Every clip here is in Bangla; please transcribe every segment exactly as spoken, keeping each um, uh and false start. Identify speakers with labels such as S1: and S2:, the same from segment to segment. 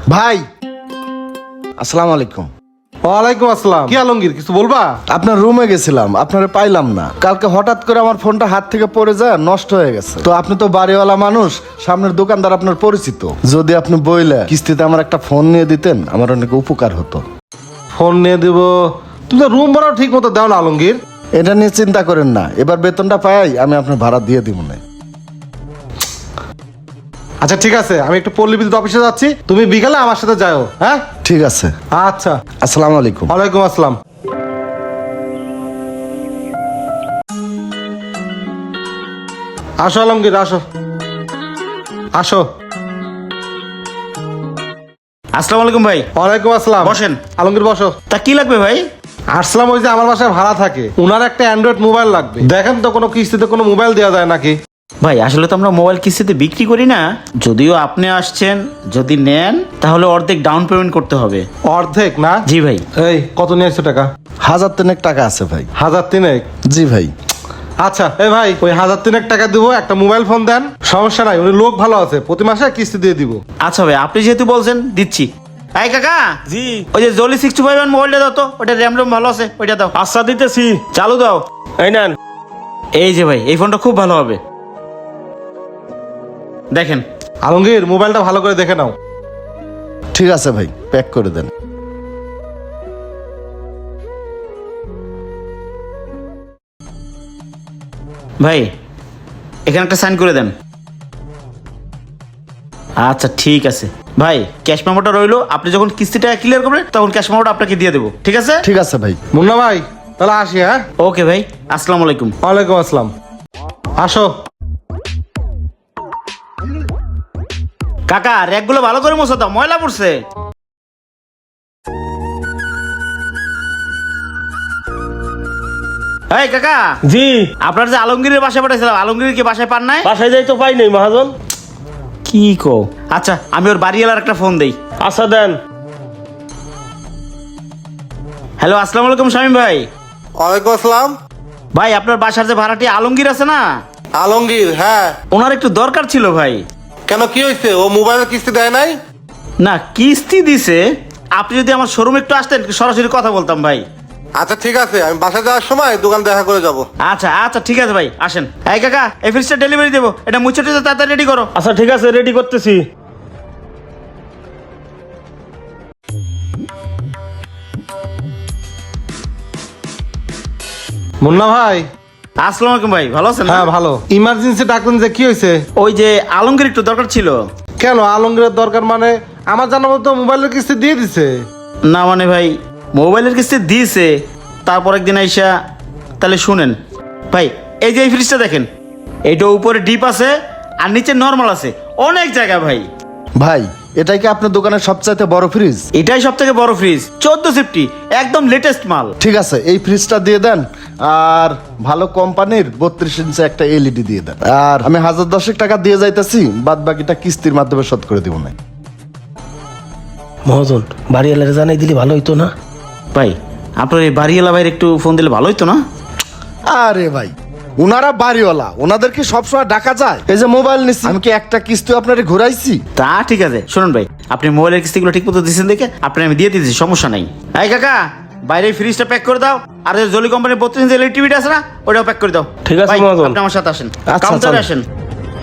S1: ভাই আসসালামু আলাইকুম।
S2: ওয়ালাইকুম আসসালাম। কি আলমগীর, কিছু বলবা?
S1: আপনার রুমে গেছিলাম, আপনারে পাইলাম না। কালকে হঠাৎ করে আমার ফোনটা হাত থেকে পড়ে যায়, নষ্ট হয়ে গেছে। তো আপনি তো বাড়িওয়ালা মানুষ, সামনের দোকানদার আপনার পরিচিত। যদি আপনি বইলে কিস্তিতে আমার একটা ফোন নিয়ে দিতেন, আমার অনেক উপকার হতো।
S2: ফোন নিয়ে দিব? তুমি তো রুম ভাড়াও ঠিক মতো দাও না আলমগীর।
S1: এটা নিয়ে চিন্তা করেন না, এবার বেতনটা পাই আমি আপনার ভাড়া দিয়ে দিব না।
S2: আচ্ছা ঠিক আছে, আমি একটু পল্লী বিদ্যুৎ অফিসে যাচ্ছি, তুমি বিকালে আমার সাথে যাও। হ্যাঁ
S1: ঠিক আছে,
S2: আচ্ছা।
S1: আসসালামু আলাইকুম।
S2: ওয়ালাইকুম আসসালাম। আসো আলমগীর, আসো আসো।
S3: আসসালামু আলাইকুম ভাই।
S2: ওয়ালাইকুম আসসালাম।
S3: বসেন।
S2: আলমগীর বসো।
S3: তা কি লাগবে ভাই?
S2: আসলাম, ওই যে আমার বাসায় ভাড়া থাকে, ওনার একটা অ্যান্ড্রয়েড মোবাইল লাগবে। দেখেন তো কোনো কিস্তিতে কোনো মোবাইল দেওয়া যায় নাকি।
S3: ভাই আসলে তো আমরা মোবাইল কিস্তিতে বিক্রি করি না, যদিও আপনি আসছেন, যদি নেন তাহলে অর্ধেক ডাউন পেমেন্ট করতে হবে।
S2: অর্ধেক না?
S3: জি ভাই।
S2: এই কত নিয়ে আসছো টাকা?
S1: হাজার তিনেক টাকা আছে ভাই।
S2: হাজার তিনেক?
S1: জি ভাই।
S2: আচ্ছা এই ভাই, ওই হাজার তিনেক টাকা দিব, একটা মোবাইল ফোন দেন। সমস্যা নাই, উনি লোক ভালো আছে, প্রতি মাসে কিস্তি দিয়ে দিব।
S3: আচ্ছা ভাই, আপনি যেহেতু বলছেন দিচ্ছি। এই কাকা,
S4: জি।
S3: ওই যে জলি সিক্সটি ফাইভ মোবাইলটা দাও তো, ওটা র্যাম রোম ভালো আছে, ওইটা দাও।
S4: আচ্ছা দিতেছি।
S3: চালু দাও।
S4: এই নেন।
S3: এই যে ভাই, এই ফোনটা খুব ভালো হবে, দেখেন।
S2: আলমগীর মোবাইলটা ভালো করে দেখে নাও।
S1: ঠিক আছে ভাই, প্যাক করে দেন।
S3: ভাই এখানে একটা সাইন করে দেন। আচ্ছা ঠিক আছে ভাই, ক্যাশ মেমোটা রইলো, আপনি যখন কিস্তিটা ক্লিয়ার করবেন তখন ক্যাশ মেমোটা আপনাকে দিয়ে দেবো, ঠিক আছে?
S1: ঠিক আছে ভাই।
S2: মুন্না ভাই তাহলে আসি। হ্যাঁ
S3: ওকে ভাই, আসসালামু আলাইকুম।
S2: ওয়ালাইকুম আসসালাম। আসো।
S3: কাকা র্যাকগুলো ভালো করে মোছা দাও, ময়লা পড়ছে। এই কাকা,
S4: জি।
S3: আপনার যে আলমগীরের বাসায় পাঠাইছিলাম, আলমগীর কি বাসায় পান নাই?
S4: বাসায় যাই তো পাই নাই মহাজন।
S3: কি কো? আচ্ছা আমি ওর বাড়িওয়ালার একটা ফোন দেই।
S4: আচ্ছা দেন।
S3: হ্যালো, আসসালামু আলাইকুম শামীম ভাই।
S2: ওয়ালাইকুম আসসালাম।
S3: ভাই আপনার বাসার যে ভাড়াটি আলমগীর আছে না,
S2: আলমগীর? হ্যাঁ।
S3: ওনার একটু দরকার ছিল ভাই।
S2: কেন, কি হয়েছে? ও মোবাইলের কিস্তি দেয় নাই?
S3: না কিস্তি দিছে, আপনি যদি আমার শোরুমে একটু আসতেন সরাসরি কথা বলতাম ভাই।
S2: আচ্ছা ঠিক আছে, আমি বাসায় যাওয়ার সময় দোকান দেখা করে যাব।
S3: আচ্ছা আচ্ছা ঠিক আছে ভাই, আসেন। এই কাকা, এই ফ্রিজটা ডেলিভারি দেবো, এটা মুছে টুছে তাড়াতাড়ি রেডি করো।
S4: আচ্ছা ঠিক আছে, রেডি করতেছি।
S2: মুন্না ভাই।
S3: আসসালামু আলাইকুম ভাই, ভালো আছেন?
S2: হ্যাঁ ভালো। ইমার্জেন্সি ডাকলেন যে, কি হয়েছে?
S3: ওই যে আলমগীর একটু দরকার ছিল।
S2: কেন আলমগীরের দরকার মানে? আমার জানা মতো মোবাইলের কিস্তি দিয়ে দিছে।
S3: না মানে ভাই, মোবাইলের কিস্তি দিয়েছে, তারপর একদিন আইসা, তাহলে শুনেন ভাই, এই যে এই ফ্রিজটা দেখেন, এইটা উপরে ডিপ আছে আর নিচে নর্মাল আছে, অনেক জায়গা ভাই।
S1: ভাই এটাই কি আপনার দোকানের সবচাইতে বড় ফ্রিজ?
S3: এটাই সব থেকে বড় ফ্রিজ, চোদ্দ সিফটি, একদম লেটেস্ট মাল।
S1: ঠিক আছে, এই ফ্রিজটা দিয়ে দেন, আর ভালো কোম্পানির বত্রিশ ইঞ্চি একটা এলইডি দিয়ে দেন। আর আমি হাজার দশেক টাকা দিয়ে যাইতেছি, বাদ বাকিটা কিস্তির মাধ্যমে শোধ করে দিব না।
S4: মহাজন বাড়িওয়ালারে জানাই দিলে ভালো হইতো না?
S3: ভাই আপনার এই বাড়িওয়ালা ভাইয়ের একটু ফোন দিলে ভালো হতো না?
S1: আরে ভাই, ওনারা বাড়িওয়ালা, ওনাদের কি সবসময় ডাকা যায়? এই যে মোবাইল নিচ্ছি, আমি কি একটা কিস্তি আপনারে ঘুরাইছি?
S3: তা ঠিক আছে, শুনুন ভাই, আপনি মোবাইলের কিস্তিগুলো ঠিক মতো দিচ্ছেন দেখে আপনি আমি দিয়ে দিচ্ছি, সমস্যা নাই। এই কাকা, বাইরে ফ্রিজটা প্যাক করে দাও, আর যে জলি কোম্পানির বত্রিশ ইঞ্চি এলইডি টিভিটা আছে না, ওটাও প্যাক করে দাও।
S4: ঠিক আছে,
S3: ভাই,
S4: মহাজন।
S3: আপনি আমার সাথে আসেন,
S1: আচ্ছা,
S3: কাউন্টারে
S1: চলেন।
S3: আসেন।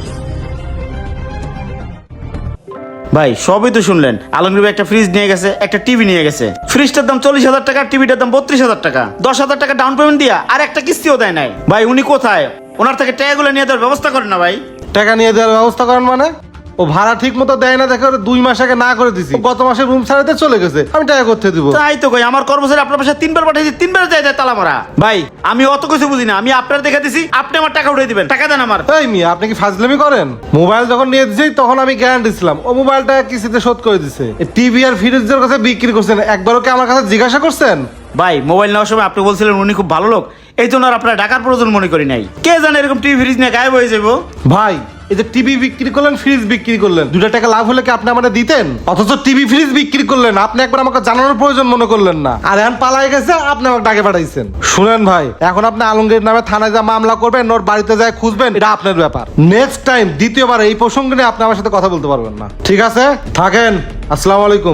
S3: ভাই সবই তো শুনলেন, আলমগীর ভাই একটা ফ্রিজ নিয়ে গেছে, একটা টিভি নিয়ে গেছে। ফ্রিজটার দাম চল্লিশ হাজার টাকা, টিভিটার দাম বত্রিশ হাজার টাকা, দশ হাজার টাকা ডাউন পেমেন্ট দিয়া আর একটা কিস্তিও দেয় নাই। ভাই উনি কোথায়? ওনার থেকে টাকাগুলো নিয়ে দেওয়ার ব্যবস্থা করেন না ভাই।
S2: টাকা নিয়ে দেওয়ার ব্যবস্থা করেন মানে? ও ভাড়া ঠিক মতো দেয় না দেখে ওরে দুই মাস আগে না করে দিছি। ও গত মাসে রুম ছাড়াতে চলে গেছে, আমি টাকা করতে দিব?
S3: তাই তো কই, আমার কর্মচারী আপনার পাশে তিনবার পাঠিয়েছি, তিনবার যায় যায় তালা মারা। ভাই আমি অত কিছু বুঝি না, আমি আপনার দেখে দিছি, আপনি আমার টাকা উঠিয়ে দিবেন, টাকা দেন আমার।
S2: এই মিয়া, আপনি কি ফাজলামি করেন? মোবাইল যখন নিয়ে দিছি তখন আমি গ্যারান্টি ছিলাম, ও মোবাইলটা কিস্তিতে শোধ করে দিছে। টিভি আর ফ্রিজের কাছে বিক্রি করছেন, একবারও কি আমার কাছে জিজ্ঞাসা করছেন?
S3: ভাই মোবাইল নেওয়ার সময় আপনি বলছিলেন উনি খুব ভালো লোক, এই জন্য আর আপনার টাকার প্রয়োজন মনে করি নাই। কে জানে এরকম টিভি ফ্রিজ নিয়ে গায়েব হয়ে যাবো।
S2: ভাই এই যে টিভি বিক্রি করলেন, ফ্রিজ বিক্রি করলেন, দুটা টাকা লাভ হলে কি আপনি আমাদের দিতেন? অথচ টিভি ফ্রিজ বিক্রি করলেন, আপনি একবার আমাকে জানানোর প্রয়োজন মনে করলেন না। আর এখন পালাই গেছে, আপনি আমাকে ডাকে পাঠাইছেন। শুনেন ভাই, এখন আপনি আলমগীর নামে থানায় যা মামলা করবেন, ওর বাড়িতে যায় খুঁজবেন, এটা আপনার ব্যাপার। নেক্সট টাইম দ্বিতীয়বার এই প্রসঙ্গে নিয়ে আপনি আমার সাথে কথা বলতে পারবেন না, ঠিক আছে? থাকেন। আসসালামু আলাইকুম।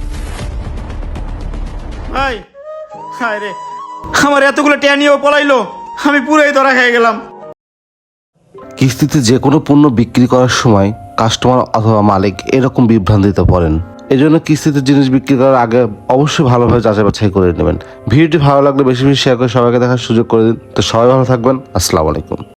S3: ভাই হায় রে, আমার এতগুলো টিয়া নিয়েও পলাইলো, আমি পুরাই ধরা খেয়ে গেলাম।
S5: কিস্তিতে যে কোনো পণ্য বিক্রি করার সময় কাস্টমার অথবা মালিক এরকম বিভ্রান্তিতে পড়েন। এই জন্য কিস্তিতে জিনিস বিক্রি করার আগে অবশ্যই ভালোভাবে যাচাই বাছাই করে নেবেন। ভিডিওটি ভালো লাগলে বেশি বেশি শেয়ার করে সবাইকে দেখার সুযোগ করে দিন। তো সবাই ভালো থাকবেন। আসসালামু আলাইকুম।